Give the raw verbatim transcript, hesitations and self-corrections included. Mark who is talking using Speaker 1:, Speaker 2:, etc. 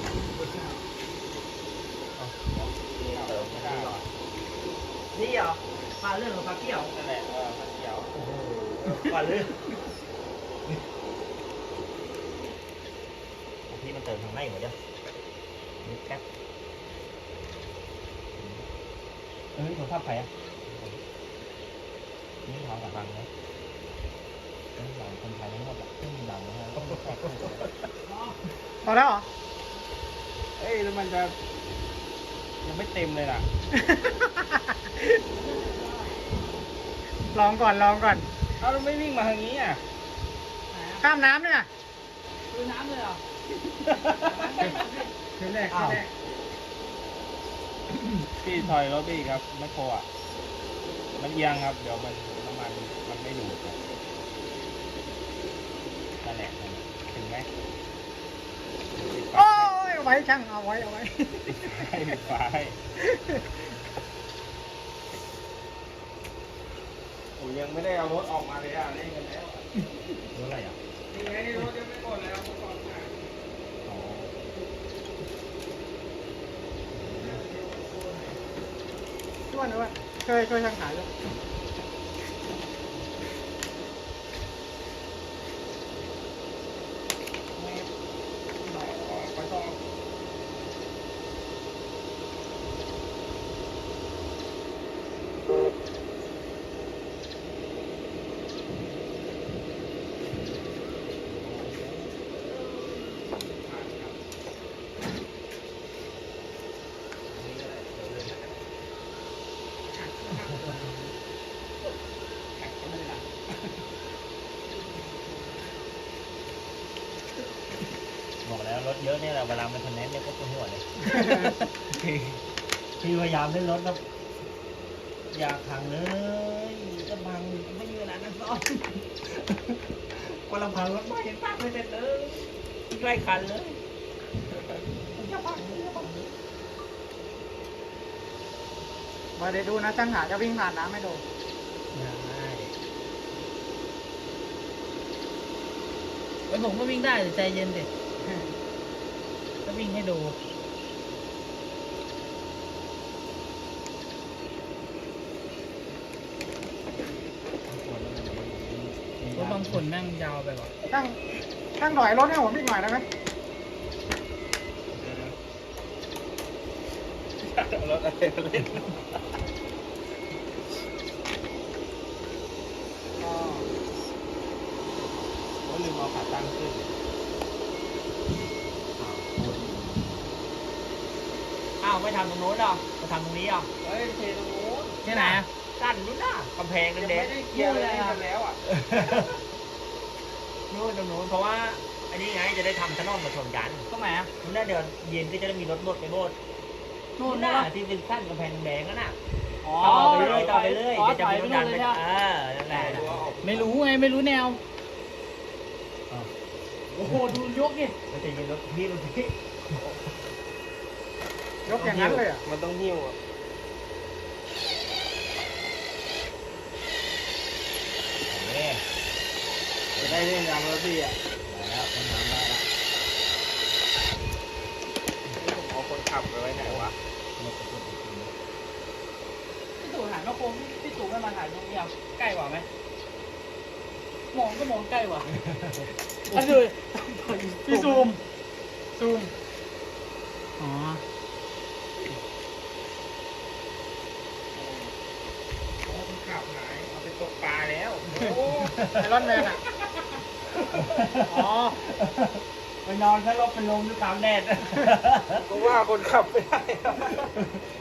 Speaker 1: เติมไม่ได้หรอ
Speaker 2: นี่เหรอปลาเรื่องกับปลาเกี่ยว
Speaker 1: นั่นแหละเออมันเขียว
Speaker 2: โอ้โหปลาเรื่อง
Speaker 1: ที่มันเติมทางในหมดเดียวนี่แป๊บ
Speaker 2: เอ้ยผมภาพใครอ่ะ
Speaker 1: นี่เขากับฟังเลย
Speaker 2: ต้องดังคนไทยทั้งหมดอ่ะต้องดังนะฮะ
Speaker 3: พอแล้วเหรอ
Speaker 1: เอ้ยแล้วมันจะยังไม่เต็มเลยล่ะ
Speaker 3: ลองก่อนลองก่อน
Speaker 1: เอาแล้วไม่วิ่งมาทางนี้อ่ะ
Speaker 3: ข้ามน้ำเนี่ย
Speaker 2: คือน้ำเลยเหรอ
Speaker 3: คืนแรกคืนแรก
Speaker 1: พี่ถอยรถพี่ครับไม่โคอ่ะมันเอียงครับเดี๋ยวมันน้ำมันมันไม่ดูดครับนั่นแหละนั่นแหละถึงไหม
Speaker 3: โอ้ยเอาไว้ช่างเอาไว้เอาไว้
Speaker 1: ให้ปิดไฟผมยังไม่ได้เอารถออกมาเลยอ่ะเล่นกันแล้ว
Speaker 2: รู้อะไรอ่ะ
Speaker 1: นี่ไงรถยังไม่หมดแล้วผมก่อนมา
Speaker 2: อ๋อ
Speaker 3: ด้วนด้วนเคยเคยช่างขายด้วย
Speaker 1: ไปต่อ
Speaker 2: บอกแล้วรถเยอะเนี่ยแหละเวลามันทนแนนเนี่ยก็ปวดหัวเลยคือคือพยายามเล่นรถแล้วอยากพังเลยจะพังไม่มีเวลานั่งซ้อนกำลังพังรถไม่เห็นพังไม่เสร็จเลยใกล้คันเลยจะพังจะพัง
Speaker 3: มาเดี๋ยวดูนะช่างหาจะวิ่งผ่านน้ำไม่โดน
Speaker 2: ได้ไอ้ผมก็วิ่งได้แต่ใจเย็นดิก็วิ่งให้ดูรถบางคนแม่งยาวไปว่ะ
Speaker 3: ช่างช่างถอยรถให้ผมอีกหน่อยได้ไหม
Speaker 1: รถอะไรมาเล่น
Speaker 3: อ๋อ
Speaker 1: ก็ลืมเอาขาตั้งขึ้น
Speaker 2: อ้าวไม่ทำตรงโน้นหรอมาทำตรงนี้หรอ
Speaker 1: เฮ้ยเทตรงโน้น
Speaker 2: ที่ไหนกั้นนู้นน่ะกำแพง
Speaker 1: ยัง
Speaker 2: แด
Speaker 1: ไม่
Speaker 2: ง
Speaker 1: ได้
Speaker 2: ๆ
Speaker 1: เคลียร์อะไรกันแล้วอ่ะ
Speaker 2: นู่นตรงโน้นเพราะว่าอันนี้ไงจะได้ทำถนนมาชนกันตรงไหนอ่ะนู่นน่ะเดี๋ยวเย็นก็จะได้มีรถบดไปโบดนู่นน่ะที่เป็นขั้นกำแพงแดงนั่นน่ะต่อไปเรื่อยต่อไปเรื่อยเดี๋ยวจะมีรถดันไปเออนั่นแหละ
Speaker 4: ไม่รู้ไงไม่รู้แนว โอ้โห ดูยกดิ
Speaker 2: มันจะมีรถพี่รถพี่
Speaker 3: ยกอย่างนั้นเลยอ่ะ
Speaker 1: มันต้องหิ้วอ่ะจะได้เล่นยางรถพี่อ่ะ
Speaker 2: แล้วต้นน้ำได้ละ
Speaker 1: ผมเอาคนขับไปไว้ไหนวะ
Speaker 4: พี่ตู่หันมาโค้งพี่ตู่ไม่มาถ่ายตรงนี้เอาใกล้กว่าไหมมองก็มองใกล้กว่าอันดู
Speaker 3: พี่ซูมซูมอ๋อ
Speaker 1: เอาคนขับหายเอาไปตกปลาแล้วโอ้
Speaker 3: ไอรอนแมนอ่ะ อ๋อ
Speaker 2: ไปนอนถ้ารถเป็นลมด้วยตามแดด
Speaker 1: ก็ว่าคนขับไม่ได้